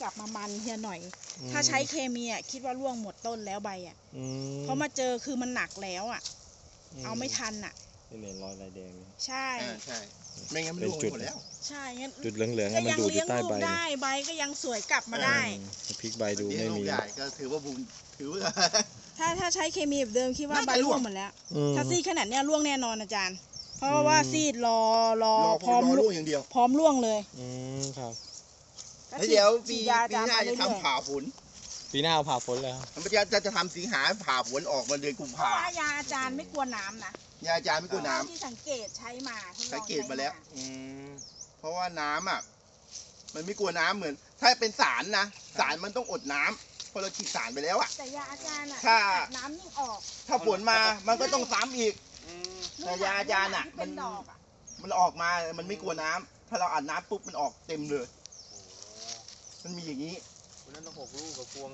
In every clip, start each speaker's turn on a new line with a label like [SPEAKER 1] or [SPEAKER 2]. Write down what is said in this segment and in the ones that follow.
[SPEAKER 1] กลับมามันเฮียหน่อยถ้าใช้เคมีอ่ะคิดว่าร่วงหมดต้นแล้วใบอ่ะเพราะมาเจอคือมันหนักแล้วอ่ะเอาไม่ทันอ่ะ
[SPEAKER 2] เป็นรอยลายแดง
[SPEAKER 1] ใช่
[SPEAKER 3] ใช่ไม่งั้นมันร่วงหมดแล้ว
[SPEAKER 1] ใช่งั้น
[SPEAKER 2] จุดเหลืองๆมันดูอยู่ใต้ใบ
[SPEAKER 1] ได้ใบก็ยังสวยกลับมาได้
[SPEAKER 2] พลิกใบดูไม่มี
[SPEAKER 3] ก็ถือว่าบุญถือว่า
[SPEAKER 1] ถ้าใช้เคมีแบบเดิมคิดว่าใบร่วงหมดแล้วถ้าซีดขนาดเนี้ยร่วงแน่นอนอาจารย์เพราะว่าซีดรอพร้อม
[SPEAKER 3] ร่วงอย่างเดียว
[SPEAKER 1] พร้อมร่วงเลย
[SPEAKER 2] ครับ
[SPEAKER 3] แล้วเดี๋ยวปีหน้าจะทำผ่าฝน
[SPEAKER 2] ปีหน้าเอาผ่าฝนเลย
[SPEAKER 3] มันจะทำสิงหาผ่าฝนออกมาเดือนกุมภาพันธ์
[SPEAKER 1] ยาอาจารย์ไม่กลัวน้ำนะ
[SPEAKER 3] ยาอาจารย์ไม่กลัวน้ำ
[SPEAKER 1] ที่สังเกตใช้มา
[SPEAKER 3] สังเกตมาแล้วเพราะว่าน้ำอ่ะมันไม่กลัวน้ำเหมือนถ้าเป็นสารนะสารมันต้องอดน้ำพอเราฉีดสารไปแล้วอ่ะ
[SPEAKER 1] แต่ยาอาจารย์อ่ะ
[SPEAKER 3] ถ้า
[SPEAKER 1] น้ำยิ่งออก
[SPEAKER 3] ถ้าฝนมามันก็ต้องซ้ำอีกแต่ยาอาจารย์อ่ะมันออกมามันไม่กลัวน้ำถ้าเราอัดน้ำปุ๊บมันออกเต็มเลยมันมีอย่างนี้
[SPEAKER 2] คนนั้นต้อง6 ลูกกับพวง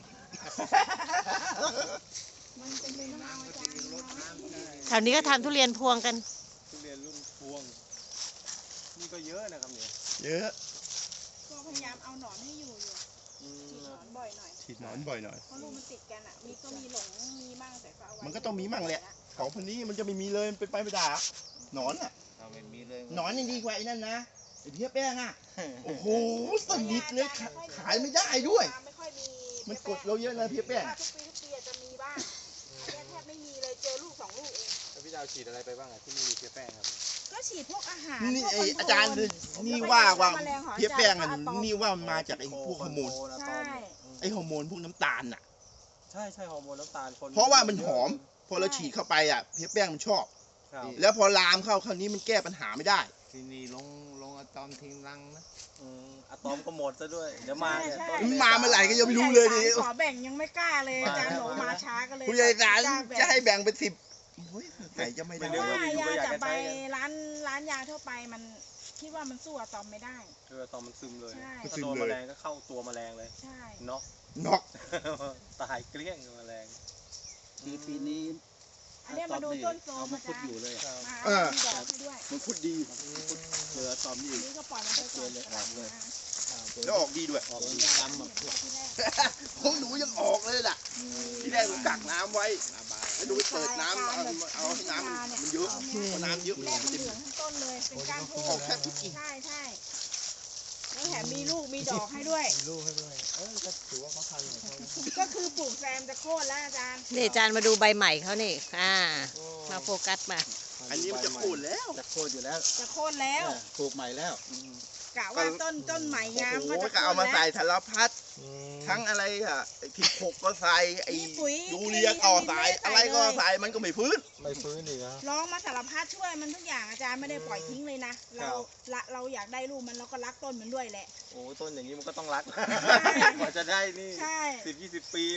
[SPEAKER 4] แถวนี้ก็ทำทุเรียนพวงกัน
[SPEAKER 2] ทุเรียนรุ่นพวงนี่ก็เยอะนะครับเนี่ย
[SPEAKER 3] เยอะ
[SPEAKER 1] ก็พยายามเอาหนอนให้อยู่ฉีดหนอนบ่อยหน่อย
[SPEAKER 3] ฉีดหนอนบ่อยหน่อย
[SPEAKER 1] เพราะลูกมันติดกันอ่ะมีหลงมีมั่งแต่ก็เอาไว้
[SPEAKER 3] มันก็ต้องมีมั่งแหละของพันนี้มันจะไม่มีเลยเป็นไปไม่ได้หนอนอ่ะ
[SPEAKER 2] ไม่มีเลย
[SPEAKER 3] หนอนยังดีกว่าไอ้นั่นนะไอ้เพี้ยแป้งอ่ะโอ้โหสนิทเลยขายไม่ได้ด้วยมันกดเราเยอะนะเพี้ยแป้ง
[SPEAKER 1] ทุกปีจะมีบ้างอันนี้แทบไม่มีเลยเจอลูก2 ลูกเอง
[SPEAKER 2] แล้วพี่ดาวฉีดอะไรไปบ้างที่ไม่มีเพี้ยแป้งครับ
[SPEAKER 1] ก็ฉีดพวกอาหาร
[SPEAKER 3] นี่อาจารย์นี่ว่าเพี้ยแป้งอันนี่ว่ามันมาจากไอ้พวกฮอร์โมนไอ้ฮอร์โมนพวกน้ำตาลน่ะ
[SPEAKER 2] ใช่ฮอร์โมนน้ำตาล
[SPEAKER 3] เพราะว่ามันหอมพอเราฉีดเข้าไปอ่ะเพี้ยแป้งมันชอบแล้วพอลามเข้าคราวนี้มันแก้ปัญหาไม่ได้
[SPEAKER 2] ทีนี้ลงอะตอมทิ้งรังนะอะตอมก็หมดซะด้วยเดี๋ยวมาเนี่ย
[SPEAKER 3] มาเมื่อไหร่ก็ยังไม่รู้เลยดิ
[SPEAKER 1] ขอแบ่งยังไม่กล้าเลยอาจารย์หนูมาช้าก็เลย
[SPEAKER 3] ผู้ใหญ่ศาลจะให้แบ่งเป็น10ไหนจะไม่ได้
[SPEAKER 1] ยาจากใบร้านยาทั่วไปมันคิดว่ามันสู้อะตอมไม่ได้
[SPEAKER 2] อะตอมมันซึมเลยถ้าโดนแมลงก็เข้าตัวแมลงเลย
[SPEAKER 1] ใช่
[SPEAKER 3] น็อก
[SPEAKER 2] ตายเกลี้ยงแมลง
[SPEAKER 5] ปีนี้
[SPEAKER 1] อันนี้มาดูต้นโซม
[SPEAKER 5] มันพุดอยู่เลย
[SPEAKER 3] มันพุดดี
[SPEAKER 5] เหลือตอมนี่
[SPEAKER 1] ก็ปล่อยมันไปก่อนเลย
[SPEAKER 3] แล้วออกดีด้วย
[SPEAKER 5] ออกดีดำแบบ
[SPEAKER 3] ของหนูยังออกเลยล่ะที่แรกหนูกักน้ำไว้แล้วดูเปิดน้ำเอาให้น้ำมันเยอะพอน้ำเยอะ
[SPEAKER 1] มันจะเหลืองทั้งต้นเลยเป็นก้านทู
[SPEAKER 3] ออกแค่ทุกกิ่ง
[SPEAKER 1] ใช่แล้วแถมมีลูกมีดอกให้ด้วย
[SPEAKER 2] ก็ถือว่าเขาทัน
[SPEAKER 1] ก็คือปลูกแซมจะโค่นแล้วอาจารย์
[SPEAKER 4] นี่อาจารย์มาดูใบใหม่เขานี่มาโฟกัสมา
[SPEAKER 3] อันนี้มันจะโค่นแล้ว
[SPEAKER 5] จะโค่นอยู่แล้ว
[SPEAKER 1] จะโค่นแล้ว
[SPEAKER 5] ปลูกใหม่แล้ว
[SPEAKER 1] กะว่าต้นใหม่งาม
[SPEAKER 3] ก็เอามาใส่ธารพัดทั้งอะไรอ่ะที่ผกก็ใส่ไอ้ยูเรียก็ใส่อะไรก็ใส่มันก็ไม่ฟื้น
[SPEAKER 2] อีกนะ
[SPEAKER 1] ร้องมาสารพัดช่วยมันทุกอย่างอาจารย์ไม่ได้ปล่อยทิ้งเลยนะเราอยากได้ลูกมันเราก็รักต้นมันด้วยแหละ
[SPEAKER 2] โอ้ต้นอย่างนี้มันก็ต้องรักกว่าจะได้นี่10-20 ปี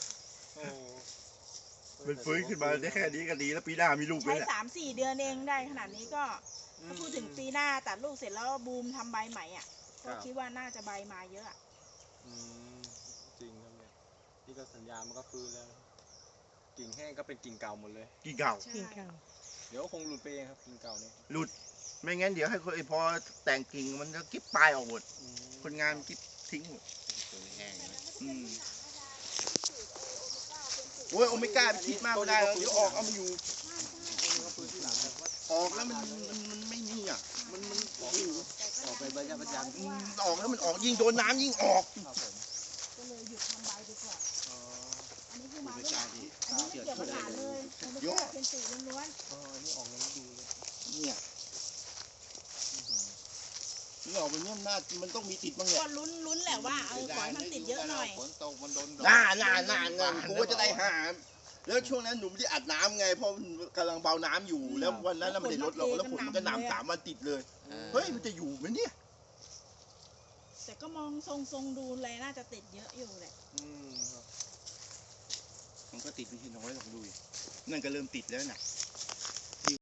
[SPEAKER 3] มันฟื้นขึ้นมาได้แค่นี้ก็ดีแล้วปีหน้ามีลูก
[SPEAKER 1] ใช้3-4 เดือนเองได้ขนาดนี้ก็ถ้าพูดถึงปีหน้าตัดลูกเสร็จแล้วบูมทำใบใหม่อ่ะก็คิดว่าน่าจะใบมาเยอะ
[SPEAKER 2] จริงครับเนี่ยนี่ก็สัญญามันก็ฟื้นแล้วกิ่งแห้งก็เป็นกิ่งเก่าหมดเลย
[SPEAKER 3] กิ่งเก่า
[SPEAKER 2] เดี๋ยวคงหลุดไปเองครับกิ่งเก่าเนี่ย
[SPEAKER 3] หลุดไม่งั้นเดี๋ยวให้พอแต่งกิ่งมันจะกิ๊บปลายออกหมดคนงานกิ๊บทิ้งหมด
[SPEAKER 5] แห้ง
[SPEAKER 3] โอ้ยโอเมก้าไปคิดมากไม่ได้แล้วเดี๋ยวออกเอามาอยู่ออกแล้วมันไม่นี่อ่ะมัน
[SPEAKER 5] ออกไปใบประจ
[SPEAKER 3] ำออกแล้วมันออกยิ่งโดนน้ำยิ่งออก
[SPEAKER 1] ก็เลยหยุดทำใบดีกว่าอันนี้คือมาไม่ได้อันนี้ไม่เกี่ยวกับหลานเลยเยอะเป็นสีล้วน
[SPEAKER 2] นี่ออกแล้วดู
[SPEAKER 3] เนี่ยนี่ออกมันเนี่ยมันต้องมีติดบ้างเนี่ย
[SPEAKER 1] ก็ลุ้นแหละว่าขอให้มันติดเยอะหน่อย
[SPEAKER 5] ฝนตกมันโดน
[SPEAKER 3] น่ากูก็จะได้หาแล้วช่วงนั้นหนูไม่ได้อัดน้ำไงเพราะกำลังเบาน้ำอยู่แล้ววันนั้นมันได้ลดเราแล้วฝนมันก็หนำ3 วันติดเลยเฮ้ยมันจะอยู่ไหมเนี่ย
[SPEAKER 1] แต่ก็มองทรงดูเลยน่าจะติดเยอะอยู่แหละ
[SPEAKER 3] มันก็ติดไม่ใช่น้อยหรอกดูนั่นก็เริ่มติดแล้วน่ะ